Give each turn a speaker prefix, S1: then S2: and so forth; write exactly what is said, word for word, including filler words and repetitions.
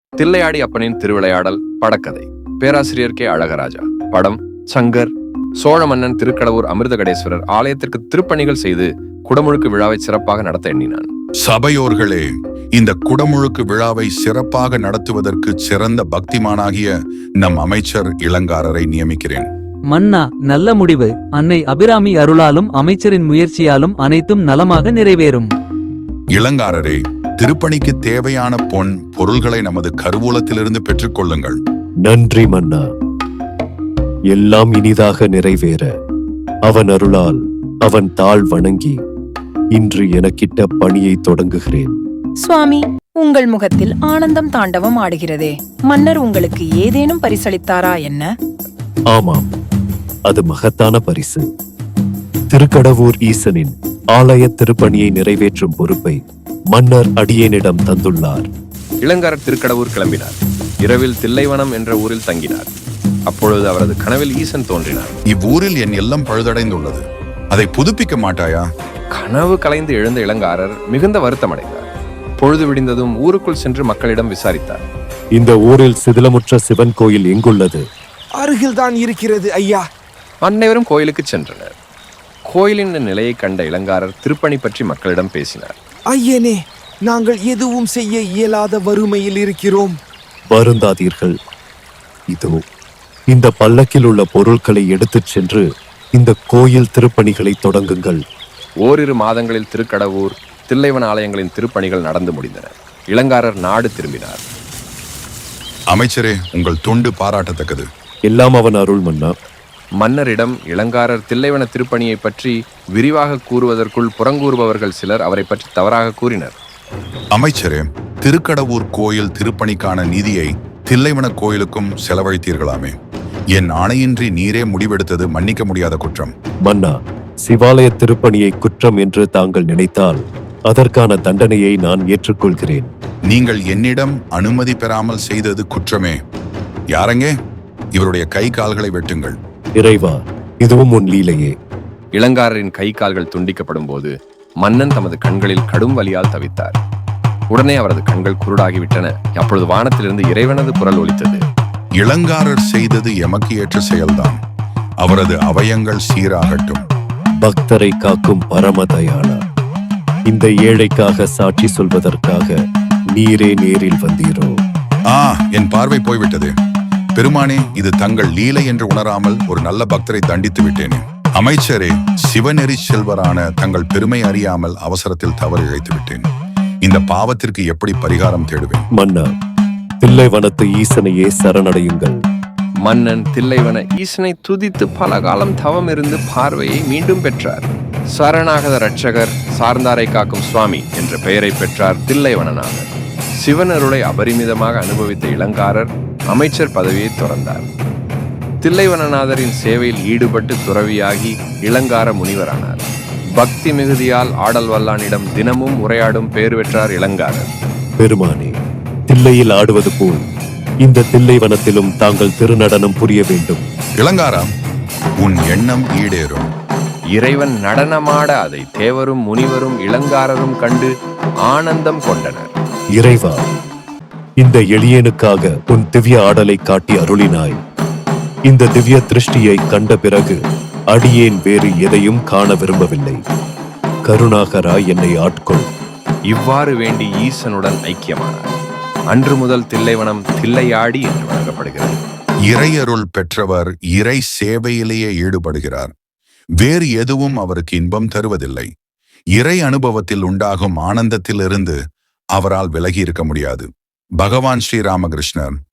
S1: தில்லையாடி அப்பனின் திருவிளையாடல் படக்கதை. பேராசிரியர் கே அழகராஜா. படம் சங்கர். சோழ மன்னன் திருக்கடவூர் அமிர்தகடேஸ்வரர் ஆலயத்திற்கு திருப்பணிகள் செய்து குடமுழுக்கு விழாவை சிறப்பாக நடத்த எண்ணினான்.
S2: சபையோர்களே, இந்த குடமுழுக்கு விழாவை சிறப்பாக நடத்துவதற்கு சிறந்த பக்திமானாகிய நம் அமைச்சர் இளங்காரரை நியமிக்கிறேன்.
S3: மன்னா, நல்ல முடிவு. அன்னை அபிராமி அருளாலும் அமைச்சரின் முயற்சியாலும் அனைத்தும் நலமாக நிறைவேறும்.
S2: இளங்காரரே, திருப்பணிக்கு தேவையான பொன் பொருள்களை நமது கருவூலத்திலிருந்து பெற்றுக் கொள்ளுங்கள்.
S4: நன்றி மன்னா. எல்லாம் இனிதாக நிறைவேற அவன் அருளால் அவன் தாழ் வணங்கி இன்று எனக்கிட்ட பணியை தொடங்குகிறேன்.
S5: சுவாமி, உங்கள் முகத்தில் ஆனந்தம் தாண்டவம் ஆடுகிறதே. மன்னர் உங்களுக்கு ஏதேனும் பரிசளித்தாரா என்ன?
S4: ஆமாம், அது மகத்தான பரிசு. திருக்கடவூர் ஈசனின் ஆலய திருப்பணியை நிறைவேற்றும் பொறுப்பை மன்னர் அடியேனிடம் தந்துள்ளார்.
S1: இளங்காரர் திருக்கடவூர் கிளம்பினார். இரவில் தில்லைவனம் என்ற ஊரில் தங்கினார். அப்பொழுது அவரது கனவில் ஈசன் தோன்றினார்.
S2: இவ்வூரில் என் இல்லம் பழுதடைந்துள்ளது, அதை புதுப்பிக்க மாட்டாயா?
S1: கனவு கலைந்து எழுந்த இளங்காரர் மிகுந்த வருத்தமடைந்தார். பொழுது விடிந்ததும் ஊருக்குள் சென்று மக்களிடம் விசாரித்தார்.
S4: இந்த ஊரில் சிதிலமுற்ற சிவன் கோயில் எங்குள்ளது?
S6: அருகில்தான் இருக்கிறது ஐயா.
S1: அனைவரும் கோயிலுக்கு சென்றனர். கோயிலின் நிலையை கண்ட இளங்காரர் திருப்பணி பற்றி மக்களிடம் பேசினார்.
S6: ஐயனே, நாங்கள் எதுவும் செய்ய இயலாத வறுமையில் இருக்கிறோம்.
S4: வருந்தாதீர்கள். இதோ இந்த பல்லக்கில் உள்ள பொருட்களை எடுத்துச் சென்று இந்த கோயில் திருப்பணிகளை தொடங்குங்கள்.
S1: ஓரிரு மாதங்களில் திருக்கடவூர் தில்லைவன ஆலயங்களின் திருப்பணிகள் நடந்து முடிந்தன. இளங்காரர் நாடு திரும்பினார்.
S2: அமைச்சரே, உங்கள் தொண்டு பாராட்டத்தக்கது.
S4: எல்லாம் அவன் அருள் மன்னா.
S1: மன்னரிடம் இளங்காரர் தில்லைவன திருப்பணியை பற்றி விரிவாக கூறுவதற்குள் புறங்கூறுபவர்கள் சிலர் அவரை பற்றி தவறாக கூறினர்.
S2: அமைச்சரே, திருக்கடவூர் கோயில் திருப்பணிக்கான நிதியை தில்லைவன கோயிலுக்கும் செலவழித்தீர்களாமே. என் ஆணையின்றி நீரே முடிவெடுத்தது மன்னிக்க முடியாத குற்றம்.
S4: மன்னா, சிவாலய திருப்பணியை குற்றம் என்று தாங்கள் நினைத்தால் அதற்கான தண்டனையை நான் ஏற்றுக்கொள்கிறேன்.
S2: நீங்கள் என்னிடம் அனுமதி பெறாமல் செய்தது குற்றமே. யாரங்கே? இவருடைய கை கால்களை வெட்டுங்கள்.
S4: இறைவா, இதுவும் உன் லீலையே.
S1: இளங்காரரின் கை கால்கள் துண்டிக்கப்படும் போது மன்னன் தமது கண்களில் கடும் வலியால் தவித்தார். உடனே அவரது கண்கள் குருடாகிவிட்டன. அப்பொழுது வானத்திலிருந்து இறைவனது குரல் ஒலித்தது.
S2: இளங்காரர் செய்தது எமக்கு ஏற்ற செயல்தான். அவரது அவயங்கள் சீராகட்டும்.
S4: பக்தரை காக்கும் பரமதயாளா, இந்த ஏழைக்காக சாட்சி சொல்வதற்காக நீரே நேரில் வந்தீரோ?
S2: ஆ, என் பார்வை போய்விட்டது. பெருமானே, இது தங்கள் லீலை என்று உணராமல் ஒரு நல்ல பக்தரை தண்டித்து விட்டேனே. அமைச்சரே, சிவநெறி செல்வரான தங்கள் பெருமை அறியாமல் அவசரத்தில் தவறு இழைத்து விட்டேன். இந்த பாவத்திற்கு எப்படி பரிகாரம் தேடுவேன்?
S4: மன்னா, தில்லைவனத்து ஈசனையே சரணடையுங்கள்.
S1: மன்னன் தில்லைவன ஈசனை துதித்து பல காலம் தவம் இருந்து பார்வையை மீண்டும் பெற்றார். சரணாகத ரட்சகர், சார்ந்தாரை காக்கும் சுவாமி என்ற பெயரை பெற்றார் தில்லைவனநாதர். சிவனருளை அபரிமிதமாக அனுபவித்த இளங்காரர் அமைச்சர் பதவியை துறந்தார். தில்லைவனநாதரின் சேவையில் ஈடுபட்டு துறவியாகி இளங்கார முனிவரானார். பக்தி மிகுதியால் ஆடல் வல்லானிடம் தினமும் உரையாடும் பேர் பெற்றார் இளங்காரர்.
S4: பெருமானே, தில்லையில் ஆடுவது போல் இந்த தில்லைவனத்திலும் தாங்கள் திருநடனம் புரிய வேண்டும்.
S2: இளங்காரா, உன் எண்ணம் ஈடேறும்.
S1: இறைவன் நடனமாட அதை தேவரும் முனிவரும் இளங்காரரும் கண்டு ஆனந்தம் கொண்டனர்.
S4: இறைவா, இந்த எளியனுக்காக உன் திவ்ய ஆடலை காட்டி அருளினாய். இந்த திவ்ய திருஷ்டியை கண்ட பிறகு அடியேன் வேறு எதையும் காண விரும்பவில்லை. கருணாகரா, என்னை ஆட்கொள்.
S1: இவ்வாறு வேண்டி ஈசனுடன் ஐக்கியமானார். அன்று முதல் தில்லைவனம் தில்லையாடி என்று வழங்கப்படுகிறது.
S2: இறையருள் பெற்றவர் இறை சேவையிலேயே ஈடுபடுகிறார். வேறு எதுவும் அவருக்கு இன்பம் தருவதில்லை. இறை அனுபவத்தில் உண்டாகும் ஆனந்தத்திலிருந்து அவரால் விலகி இருக்க முடியாது. பகவான் ஸ்ரீராமகிருஷ்ணர்